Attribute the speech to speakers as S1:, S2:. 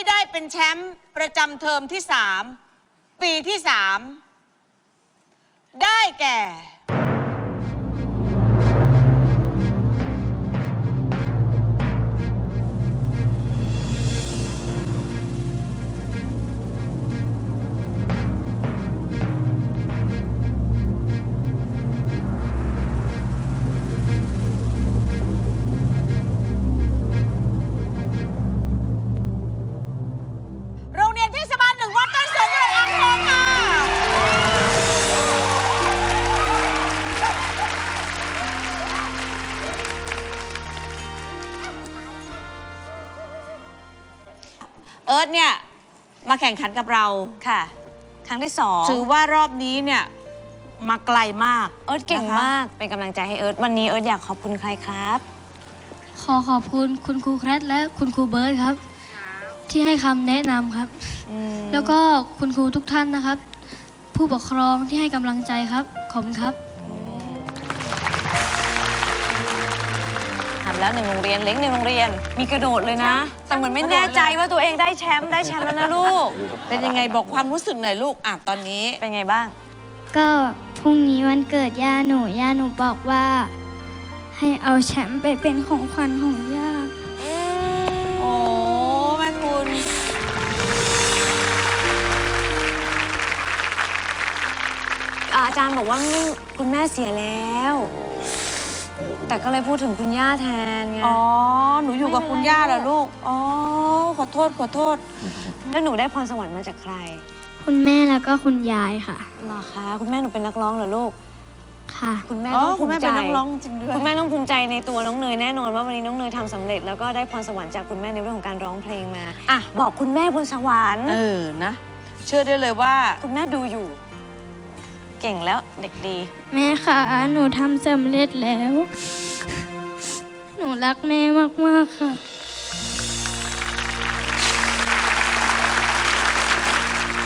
S1: ได้เป็นแชมป์ประจำเทอมที่ 3 ปีที่ 3 ได้แก่โรงเรียนเทศบาล 1 วัดต้นสนจังหวัดอ่างทองค่ะเอิร์ธเนี่ยมาแข่งขันกับเรา
S2: ค่ะ ครั้งที่สอง
S1: ถือว่ารอบนี้เนี่ยมาไกลมาก
S2: เอิร์ธเก่งมาก เป็นกำลังใจให้เอิร์ธวันนี้เอิร์ธอยากขอบคุณใครครับ
S3: ขอขอบคุณคุณครูแคทและคุณครูเบิร์ตครับ ที่ให้คำแนะนำครับ แล้วก็คุณครูทุกท่านนะครับ ผู้ปกครองที่ให้กำลังใจครับขอบคุณครับ
S2: ทำแล้ว1 โรงเรียนเล้ง1 โรงเรียน มีกระโดดเลยนะ แต่เหมือนไม่แน่ใจว่าตัวเองได้แชมป์แล้วนะลูก
S1: เป็นยังไงบอกความรู้สึกหน่อยลูกตอนนี้
S2: เป็นไงบ้าง
S3: ก็พรุ่งนี้วันเกิดย่าหนูบอกว่า ให้เอาแชมป์ไปเป็นของขวัญของย่า
S1: โอ้แม่คุณ
S2: อาจารย์บอกว่าคุณแม่เสียแล้ว แต่ก็เลยพูดถึงคุณย่าแทนไง
S1: อ๋อ หนูอยู่กับคุณย่าเหรอลูก อ๋อ ขอโทษ
S2: แล้วหนูได้พรสวรรค์มาจากใคร
S3: คุณแม่แล้วก็คุณยายค่ะ
S2: เหรอคะ คุณแม่หนูเป็นนักร้องเหรอลูก
S3: ค่ะ
S2: คุณแม่
S1: อ๋อ
S2: ต้อง
S1: คุ
S2: ภู
S1: ณแม่
S2: มิใจ
S1: เป็นนักร้องจริงด้วย
S2: คุณแม่ต้องภูมิใจในตัวน้องเนยแน่นอนว่าวันนี้น้องเนยทำสำเร็จแล้วก็ได้พรสวรรค์จากคุณแม่ในเรื่องของการร้องเพลงมา
S1: อ่ะ
S2: บอกคุณแม่บนสวรรค์
S1: นะ เชื่อได้เลยว่า
S2: คุณแม่ดูอยู่ เก่งแล้วเด็กดี
S3: แม่ค่ะหนูทำสำเร็จแล้ว หนูรักแม่มากๆค่ะ